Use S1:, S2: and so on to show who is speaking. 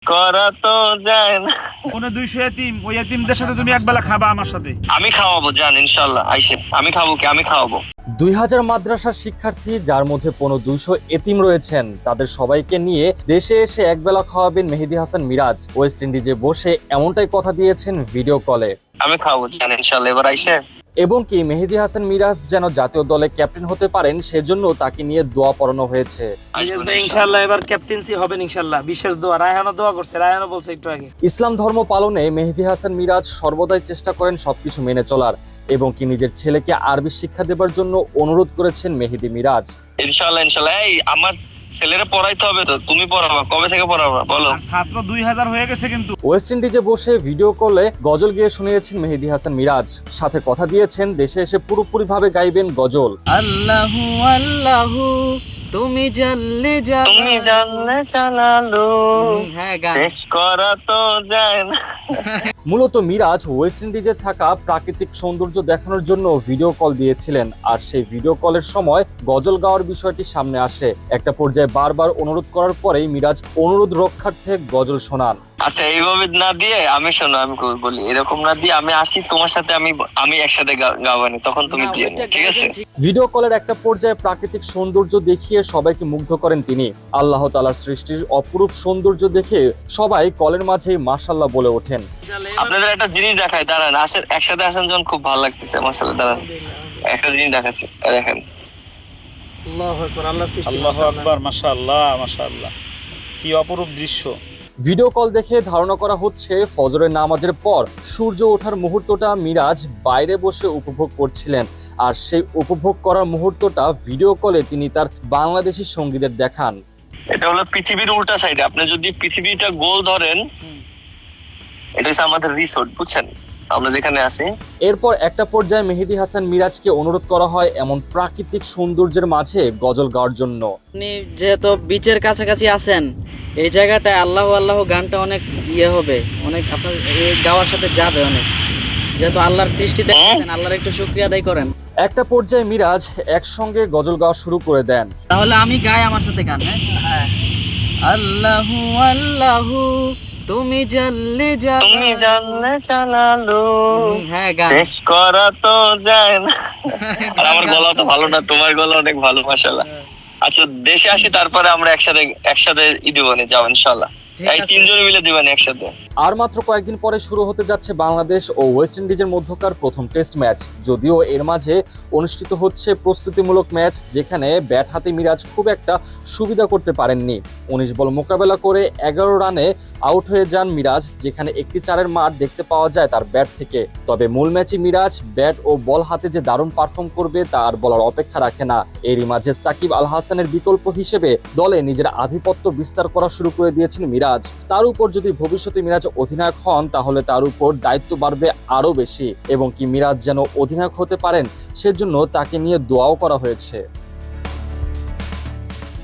S1: করা তো যায় না।
S2: কোন 200 এতিম, ওই এতিমদের সাথে তুমি একবেলা খাবা আমার সাথে।
S1: আমি খাওয়াবো, জান ইনশাল্লাহ আইসেন। আমি খাবো কি? আমি খাওয়াবো।
S3: 2000 মাদ্রাসার শিক্ষার্থী, যার মধ্যে 200 এতিম রয়েছেন, তাদের সবাইকে নিয়ে দেশে এসে একবেলা খাওয়াবেন মেহেদী হাসান মিরাজ। ওয়েস্ট ইন্ডিজে বসে এমনটাই কথা দিয়েছেন ভিডিও কলে।
S1: আমি খাওয়াবো, জান ইনশাল্লাহ। এবার আইসেন।
S3: এবং কি মেহেদী হাসান মিরাজ যেন জাতীয় দলে ক্যাপ্টেন হতে পারেন, সেজন্য তাকে নিয়ে দোয়া পড়ানো হয়েছে।
S2: ইনশাআল্লাহ এবার ক্যাপ্টেন্সি হবেন ইনশাআল্লাহ। বিশেষ দোয়া, রায়হানও দোয়া করছে, রায়হানও বলছে একটু আগে।
S3: ইসলাম ধর্ম পালনে মেহেদী হাসান মিরাজ সর্বদাই চেষ্টা করেন সবকিছু মেনে চলার, এবং কি নিজের ছেলেকে আরবি শিক্ষা দেবার জন্য অনুরোধ করেছেন মেহেদী মিরাজ।
S1: ইনশাল্লাহ ইনশাল্লাহ। এই আমার ছেলেরা পড়াইতে হবে তো, তুমি পড়াবা? কবে থেকে পড়াবা বলো?
S2: ছাত্র 2000 হয়ে গেছে কিন্তু।
S3: ওয়েস্ট ইন্ডিজে বসে ভিডিও কলে গজল গেয়ে শুনিয়েছেন মেহেদী হাসান মিরাজ, সাথে কথা দিয়েছেন দেশে এসে পুরোপুরিভাবে গাইবেন গজল।
S4: আল্লাহু আল্লাহু তুমি জানলে
S1: তুমি জানলে জানালো,
S4: হ্যাঁ গান।
S1: শেষ করা তো যায় না।
S3: মূলত মিরাজ ওয়েস্ট ইন্ডিজে থাকা প্রাকৃতিক সৌন্দর্য দেখানোর জন্য ভিডিও কল দিয়েছিলেন, আর সেই ভিডিও কলের সময় গজল গাওয়ার বিষয়টি সামনে আসে। একটা পর্যায়ে বারবার অনুরোধ করার পরেই মিরাজ অনুরোধ রক্ষার্থে গজল শোনান।
S1: আচ্ছা, এইভাবে না দিয়ে আমি শোনো, আমি বলি এরকম না দিয়ে আমি আসি তোমার সাথে, আমি একসাথে গাওয়ানি, তখন তুমি দিয়ে নিও, ঠিক আছে?
S3: ভিডিও কলের একটা পর্যায়ে প্রাকৃতিক সৌন্দর্য দেখিয়ে সবাইকে মুগ্ধ করেন তিনি। আল্লাহ তাআলার সৃষ্টির অপরূপ সৌন্দর্য দেখে সবাই কলের মাঝেই মাশাআল্লাহ বলে ওঠেন।
S1: আপনাদের একটা জিনিস দেখায়, দাঁড়ান। আসেন, একসাথে আসেন যখন, খুব ভালো লাগতেছে মাশাআল্লাহ। দাঁড়ান, একটা জিনিস দেখাচ্ছি, দেখেন।
S4: আল্লাহু আকবার, আল্লাহর সৃষ্টি।
S2: আল্লাহু আকবার, মাশাআল্লাহ মাশাআল্লাহ, কি অপরূপ দৃশ্য।
S3: ভিডিও কল দেখে ধারণা করা হচ্ছে ফজরের নামাজের পর সূর্য ওঠার মুহূর্তটা মিরাজ বাইরে বসে উপভোগ করছিলেন, আর সেই উপভোগ করার মুহূর্তটা ভিডিও কলে তিনি তার বাংলাদেশি সঙ্গীদের দেখান।
S1: এটা হলো পৃথিবীর উল্টা সাইডে। আপনি যদি পৃথিবীটা গোল ধরেন, এটা হচ্ছে আমাদের রিসোর্ট, বুঝছেন, আমরা যেখানে আছি।
S3: এরপর একটা পর্যায়ে মেহেদী হাসান মিরাজকে অনুরোধ করা হয় এমন প্রাকৃতিক সৌন্দর্যের মাঝে গজল গাওয়ার জন্য।
S4: আপনি যেহেতু বিচের কাছাকাছি আছেন, এই জায়গাটায় আল্লাহু আল্লাহু গানটা অনেক হবে, অনেক আপনার এই গাওয়ার সাথে যাবে অনেক, যেহেতু আল্লাহর সৃষ্টি দেখেছেন, আল্লাহর একটু শুকরিয়া আদায় করেন।
S3: একটা পর্যায়ে মিরাজ একসঙ্গে গজল গাওয়া শুরু করে দেন।
S4: তাহলে আমি গাই আমার সাথে গান। হ্যাঁ, আল্লাহু আল্লাহু তুমি জানলে
S1: তুমি জানলে জানালো,
S4: হ্যাঁ গান।
S1: শেষ করা তো যায় না। আর আমার গলা তো ভালো না, তোমার গলা অনেক ভালো মাশাআল্লাহ। আচ্ছা, দেশে আসি, তারপরে আমরা একসাথে দিবানি, যাও ইনশাআল্লাহ। এই তিনজনে মিলে দিবানি একসাথে।
S3: আর মাত্র কয়েকদিন পরে শুরু হতে যাচ্ছে বাংলাদেশ ও ওয়েস্ট ইন্ডিজের মধ্যকার প্রথম টেস্ট ম্যাচ। যদিও এর মাঝে অনুষ্ঠিত হচ্ছে প্রস্তুতিমূলক ম্যাচ, যেখানে ব্যাট হাতে মিরাজ খুব একটা সুবিধা করতে পারেননি। 19 বল মোকাবেলা করে 11 রানে আউট হয়ে যান মিরাজ, যেখানে একটি 4-এর মার দেখতে পাওয়া যায় তার ব্যাট থেকে। তবে মূল ম্যাচে মিরাজ ব্যাট ও বল হাতে যে দারুণ পারফর্ম করবে তা আর বলার অপেক্ষা রাখে না। এরই মাঝে সাকিব আল হাসানের বিকল্প হিসেবে দলে নিজের আধিপত্য বিস্তার করা শুরু করে দিয়েছেন মিরাজ। তার উপর যদি ভবিষ্যতে মিরাজ অধিনায়ক হন, তাহলে তার উপর দায়িত্ব বাড়বে আরো বেশি, এবং কি মিরাজ যেন অধিনায়ক হতে পারেন সেজন্য তাকে নিয়ে দোয়াও করা হয়েছে।